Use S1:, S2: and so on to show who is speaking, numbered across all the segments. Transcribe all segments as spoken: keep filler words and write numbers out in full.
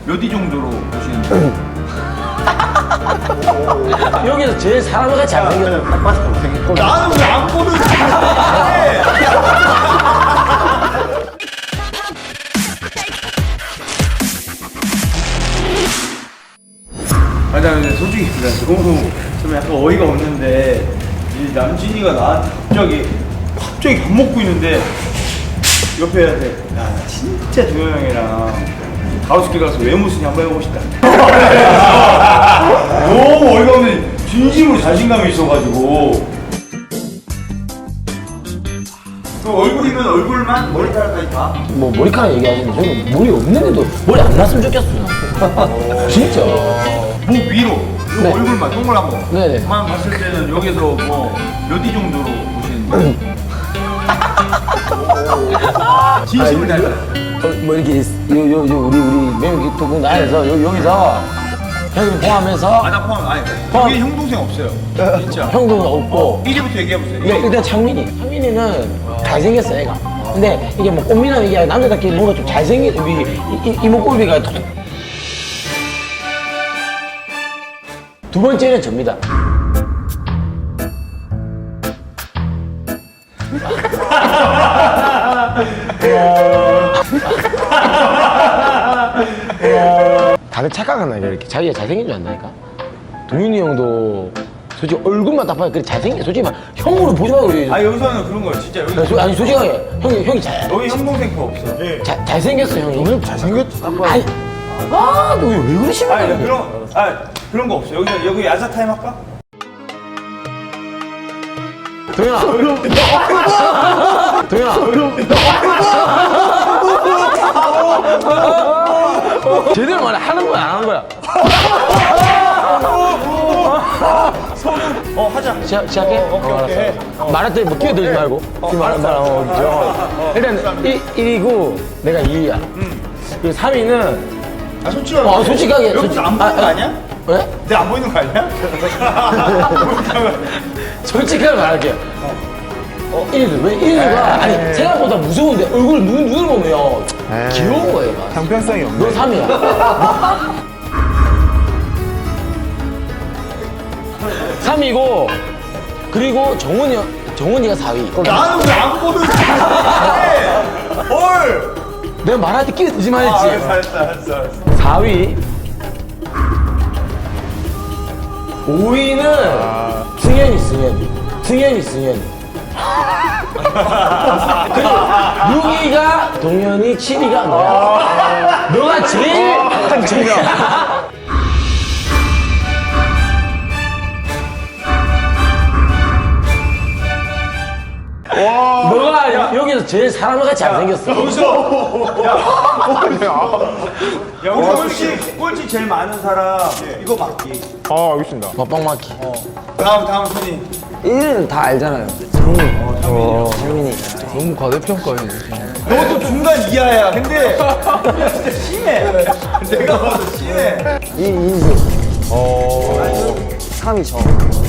S1: 몇 위 정도로 보시는지.
S2: 여기서 제일 사람같이 잘생겼어.
S1: 딱 봐서 못생겼고. 나는 왜 안 보는 거야? 아니, 나 근데 솔직히 나 너무 좀 약간 어이가 없는데 이 남진이가 나한테 갑자기 갑자기 밥 먹고 있는데 옆에 해야 돼. 야, 나 진짜 동현 형이랑 가로수길 가서 외모 순위 한번 해보고 싶다. 너무 어이가 없는데 진심으로 자신감이 있어가지고. 그 얼굴이면 얼굴만 머리카락까지 다?
S2: 뭐 머리카락 얘기하시는데 저는 머리 없는데도 머리 안 났으면 좋겠어요. 진짜.
S1: 목 위로 요
S2: 네.
S1: 얼굴만 동그란 거.
S2: 네네.
S1: 만 봤을 때는 여기서 뭐 몇 위 정도로 보시는지. 진심을 다해.
S2: 어, 뭐 이렇게 요, 요, 요 우리 우리 매우 기토군 안에서 요, 여기서 형님 포함해서
S1: 아, 나 포함 아니.
S2: 포함.
S1: 여기 형 동생 없어요. 진짜.
S2: 형도 없고
S1: 일 위부터 얘기해 보세요.
S2: 네, 일단 창민이. 창민이는 잘생겼어, 애가. 근데 이게 뭐 꽃미남 이게 남자답게 뭔가 좀 잘생긴, 이, 이, 이목구비가. 두 번째는 접니다. 다들 착각하나, 이렇게. 자기가 잘생긴 줄 안다니까? 동윤이 형도 솔직히 얼굴만 딱 봐도 그래 잘생겨. 솔직히 막 형으로 보지 말고 그래.
S1: 아, 여기서는 그런 거예요. 진짜 여기.
S2: 야, 소- 아니 솔직하게 형이 형이 잘
S1: 여기 형 동생 거 없어. 예.
S2: 자, 잘생겼어 형이. 오늘 잘생겼어. 아니, 아, 너 왜 그러십니까?
S1: 아, 그런 아 그런 거 없어. 여기 여기 야자 타임 할까?
S2: 동현아. 동현아. 제대로 말해. 하는 거야 안 하는 거야?
S1: 어, 하자.
S2: 시작, 시작해?
S1: 어, 오케이, 오케이. 해.
S2: 말할 때 뭐 끼어들지 말고. 지금 말한 사람 어, 일단 일, 일이고 내가 이 위야. 그리고 삼 위는
S1: 아, 솔직하게.
S2: 어, 솔직하게.
S1: 여기서
S2: 솔직-
S1: 안 보이는
S2: 아,
S1: 거
S2: 아.
S1: 아니야?
S2: 왜?
S1: 내가 안 보이는 거 아니야?
S2: 솔직하게 말할게요. 어, 일위 왜 일위가 아니 생각보다 무서운데 얼굴 눈 눈을 보면 귀여운 거예요. 막.
S3: 형평성이 없네.
S2: 너 삼 위야. 삼 위고 그리고 정훈이 형- 정훈이가 사 위.
S1: 나는 왜 안 보는 거야? 헐.
S2: 내가 말할 때 끼어들지
S1: 아,
S2: 말했지.
S1: 알았어, 알았어, 알았어, 알았어.
S2: 사 위. 오 위는 승현이 승현이 승현이 승현이. 그리고 육 위가 동현이, 칠 위가 너야. 너가 제일 제일 너가 여- 여기서 제일 사람같이 잘생겼어.
S1: 여기서 야, 야, 우리 꼴찌 꼴찌 제일 많은 사람 이거 맞기.
S3: 아, 알겠습니다.
S2: 밥빵 맞기.
S1: 다음 다음 순위.
S4: 일 위는 다 알잖아요. 성민. 어, 성민이.
S2: 너무 과대평가해.
S1: 너도 중간 이하야. 근데 진짜 심해. 내가 봐도 심해.
S4: 이 인수. 어. 삼 위 저.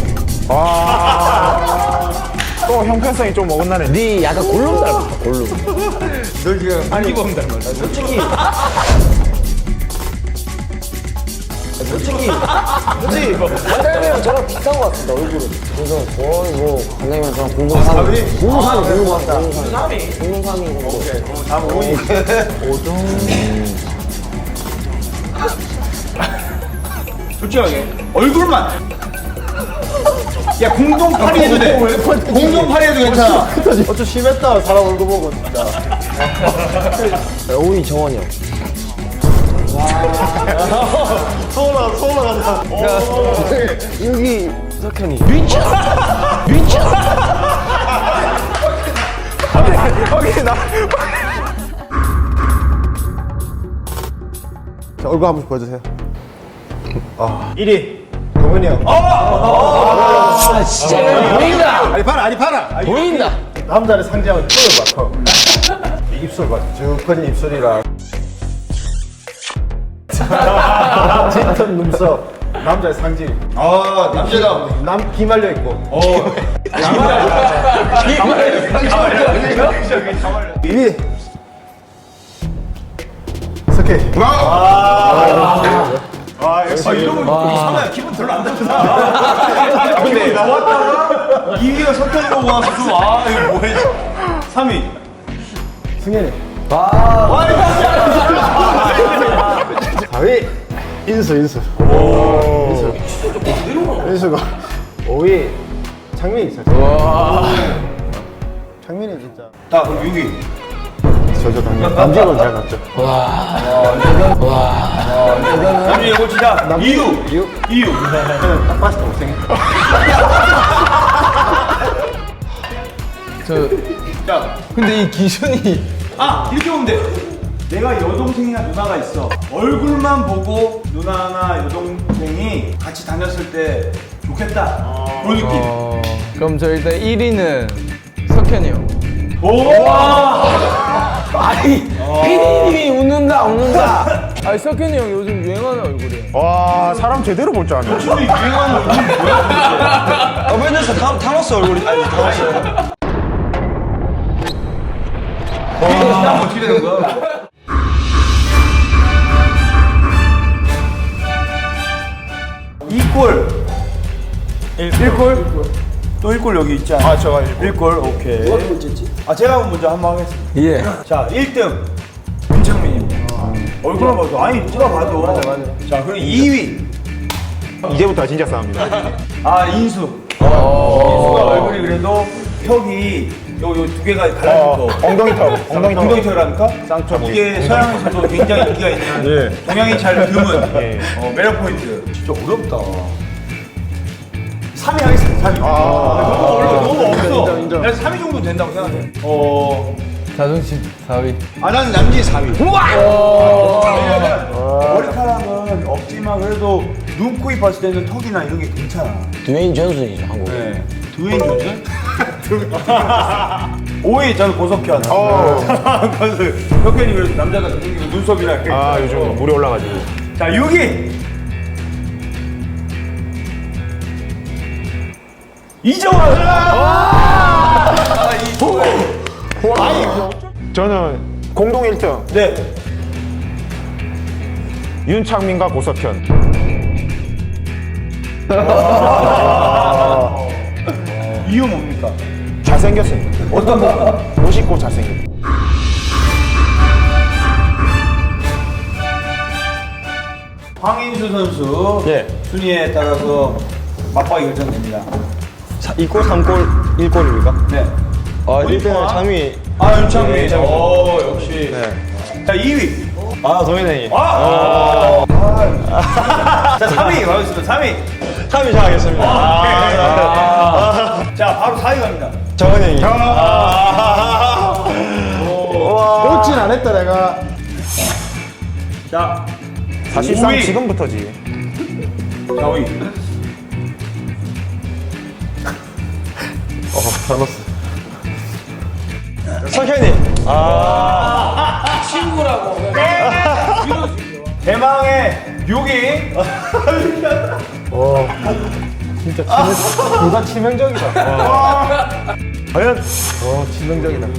S3: 아. 또 형평성이 좀 어긋나네.
S2: 네 약간 골룸 닮았다. 골룸.
S1: 너 지금 안기범 닮았다.
S4: 솔직히. 솔직히. 솔직히. 관장님이랑 저랑 비슷한 것 같습니다, 얼굴은. 그래서 거의 뭐, 관장님이랑 저랑 공동 삼 위.
S1: 사 위?
S4: 공동 삼 위, 공동 삼 위. 공동 삼 위. 공동 삼 위 정도.
S1: 다음 오 위. 솔직하게 얼굴만. 야, 공동 팔 위 해도 돼. 공동 팔 위 해도 괜찮아.
S3: 어쩌 심했다, 사람 얼굴 보고, 진짜.
S4: 오 위 정원이 형.
S3: 서운하다, 서운하다.
S4: 육 위 석현이.
S2: 미쳐. 미쳐.
S3: 확인, 나. 자, 얼굴 한 번씩 보여주세요.
S1: 일 위.
S3: 동현이 형.
S2: 아 진짜 보인다.
S3: 아니, 봐라, 아니, 봐라.
S2: 보인다.
S3: 남자를 상징하는 턱을 봐, 턱. 이 입술 봐. 쭉 펴진 입술이랑. 짙은 눈썹. 남자의 상징.
S1: 아, 남자다.
S3: 남, 기 말려 있고.
S1: 어.
S3: 이 위. 석희.
S1: 아, 안 좋다. 근데 나왔다가 이 위가 석현이 보고 와서 좀, 아, 이거 뭐해. 삼 위.
S3: 승현이.
S1: 와,
S3: 사 위 인수 인수. 인수. 인수가 오 위 창민이 있었어. 창민이 진짜.
S1: 자, 그럼 육 위.
S3: 저저 당연 남직은 잘 갔죠.
S1: 남준이 이거 진짜 이유.
S3: 이유?
S1: 이유.
S3: 저는 딱 봤을 때 못생겼어.
S5: 저
S1: 자,
S5: 근데 이 기준이
S1: 아, 이렇게 보면 돼. 내가 여동생이나 누나가 있어. 얼굴만 보고 누나나 여동생이 같이 다녔을 때 좋겠다. 그런 느낌.
S5: 어, 그럼 저 일단 일 위는 석현이 형.
S1: 오!
S2: 아니 피디님이 웃는다 웃는다.
S5: 아니 석현이 형 요즘 유행하는 얼굴이에요.
S3: 와 사람 제대로 볼 줄 아네.
S1: 진짜 유행하는 얼굴이 뭐야?
S4: 어벤져스 타, 타노스 얼굴이 아니 타노스.
S1: 와, 어떻게 되는 거야? 이 골. 일 골? 또 일 골 여기 있지 않아?
S3: 아 저가
S1: 일 골, 오케이. 누가 두 번째지? 아, 제가 먼저 한 번 하겠습니다.
S5: 예.
S1: 자, 일 등 윤창민입니다. 얼굴만 봐도, 아니, 누가 봐도. 맞아, 맞아. 자, 그리고 이 위.
S3: 이제부터 진짜 싸웁니다.
S1: 아, 인수. 인수가 얼굴이 그래도 턱이 요, 요 두 개가 갈라진 거.
S3: 엉덩이 턱. 엉덩이 턱.
S1: 엉덩이 턱이라니까? 쌍꺼. 이게 서양에서도 굉장히 인기가 있는
S3: 예.
S1: 동양이 잘 드문
S3: 예.
S1: 어, 매력 포인트. 진짜 어렵다. 삼 위 하겠습니다. 삼 위.
S3: 아.
S1: 너무 어려워. 너무 없어.
S3: 인정, 인정.
S1: 내가 삼 위 정도 된다고 생각해. 어.
S5: 자존심 사 위.
S1: 아, 나는 남진 사 위. 우와! 왜냐면 머리카락은 없지만 그래도 눈, 코, 입 봤을 때는 턱이나 이런 게 괜찮아.
S2: 드웨인 존슨이죠 한국.
S1: 네. 드웨인 존슨? 오 위 저는 고석현.
S3: 어.
S1: 고석. 석현이 그래도 남자가 생기고 눈썹이나 이렇게.
S3: 아 요즘 물이 올라가지고.
S1: 자, 육 위. 이정환. 아, 이정환.
S3: 저는 공동 일 등
S1: 네.
S3: 윤창민과 고석현.
S1: 이유 뭡니까?
S3: 잘생겼습니다.
S1: 어떤 거?
S3: 멋있고 잘생겼.
S1: 황인수 선수
S3: 예.
S1: 순위에 따라서 맞박이 결정됩니다.
S4: 이 골, 삼 골, 일 골입니까?
S1: 네.
S4: 아, 일 등은 창민이.
S1: 아, 윤창민.
S4: 네, 창민.
S1: 오, 역시.
S4: 네.
S1: 자, 이 위.
S4: 아, 동현이.
S1: 아! 자, 삼 위 가겠습니다. 삼 위.
S4: 삼 위 정하겠습니다.
S1: 아. 자, 바로 사 위 갑니다.
S4: 정은이.
S3: 놓진 안 했다 내가.
S1: 자,
S3: 사실상
S1: 오 위.
S3: 지금부터지.
S1: 사 위.
S3: 어 타노스.
S4: 석현이.
S1: 대망의 육 위.
S3: 진짜 치명, 둘다 치명적이다. 과연? 어 치명적이다.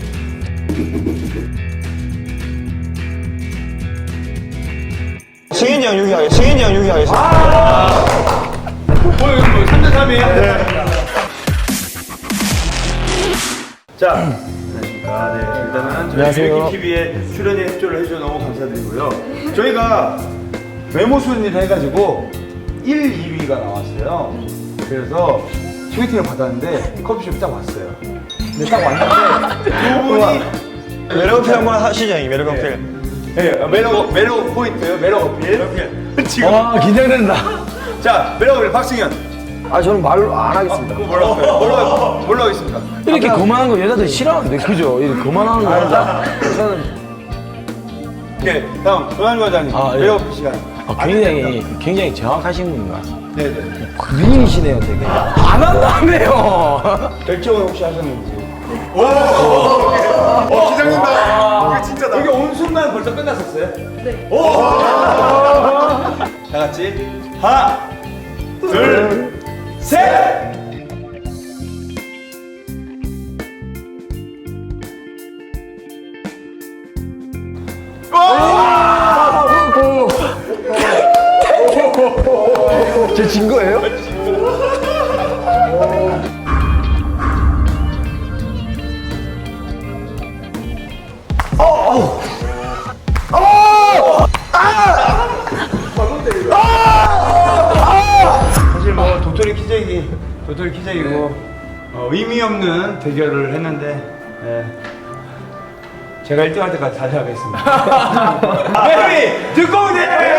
S4: 승현이 형 육 위 하겠습니다. 승현이 형 육 위 하겠습니다.
S1: 오늘 뭐 삼 대 삼 이에요? 자, 안녕하십니까. 네, 일단은 저희
S2: 안녕하세요.
S1: 티비에 출연에 협조를 해주셔서 너무 감사드리고요. 저희가 외모 순위를 해가지고 일, 이 위가 나왔어요. 그래서 소개팅을 받았는데 커피숍 딱 왔어요. 근데 딱 왔는데 두 분이
S4: 매력 어필 한번 하시죠, 형님. 매력 어필.
S1: 네, 매력, 매력 포인트, 매력 어필. 지금.
S2: 와 긴장된다.
S1: 자, 매력 어필 박승현.
S2: 아 저는 말로 안 하겠습니다.
S1: 뭘로 할까요? 뭘로, 할- 뭘로 하겠습니다.
S2: 이렇게 거만한 거 여자들 싫어하는데 그죠? 이렇게 거만한 거 여자. 저는
S1: 오케이, 다음 조한주 과장님
S2: 아, 예.
S1: 매력 어필 시간.
S2: 아, 굉장히 굉장히 정확하신 분인 것 같습니다.
S1: 네네.
S2: 미인이시네요, 되게. 안 한다며요.
S1: 결정을 혹시 하셨는지. 오! 어, 기장님다. 이게 진짜다. 여기 온 순간 벌써 끝났었어요? 네. 오! 다 같이 하나, 둘, 셋.
S2: 진 거예요?
S1: 사실 뭐 도토리 키재기, 도토리 키재기고 어, 의미 없는 대결을 했는데 예. 제가 일 등 할 때까지 달려가겠습니다. 베이비 듣고 오세요.